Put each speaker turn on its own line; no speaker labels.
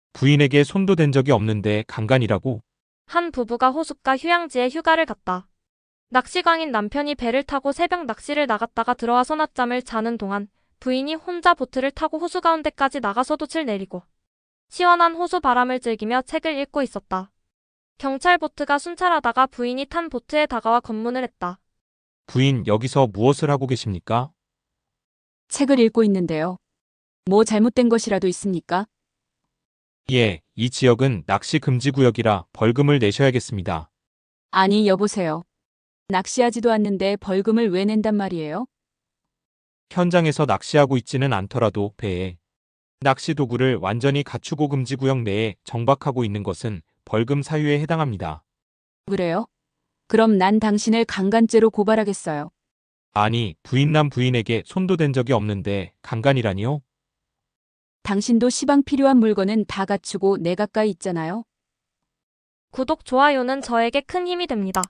부인에게 손도 댄 적이 없는데 강간이라고?
한 부부가 호숫가 휴양지에 휴가를 갔다. 낚시광인 남편이 배를 타고 새벽 낚시를 나갔다가 들어와 소낮잠을 자는 동안 부인이 혼자 보트를 타고 호수 가운데까지 나가서 돛을 내리고 시원한 호수 바람을 즐기며 책을 읽고 있었다. 경찰 보트가 순찰하다가 부인이 탄 보트에 다가와 검문을 했다.
부인, 여기서 무엇을 하고 계십니까?
책을 읽고 있는데요. 뭐 잘못된 것이라도 있습니까?
예, 이 지역은 낚시 금지 구역이라 벌금을 내셔야겠습니다.
아니, 여보세요. 낚시하지도 않는데 벌금을 왜 낸단 말이에요?
현장에서 낚시하고 있지는 않더라도 배에 낚시 도구를 완전히 갖추고 금지 구역 내에 정박하고 있는 것은 벌금 사유에 해당합니다.
그래요? 그럼 난 당신을 강간죄로 고발하겠어요.
아니, 부인남 부인에게 손도 댄 적이 없는데 강간이라니요?
당신도 시방 필요한 물건은 다 갖추고 내 가까이 있잖아요.
구독, 좋아요는 저에게 큰 힘이 됩니다.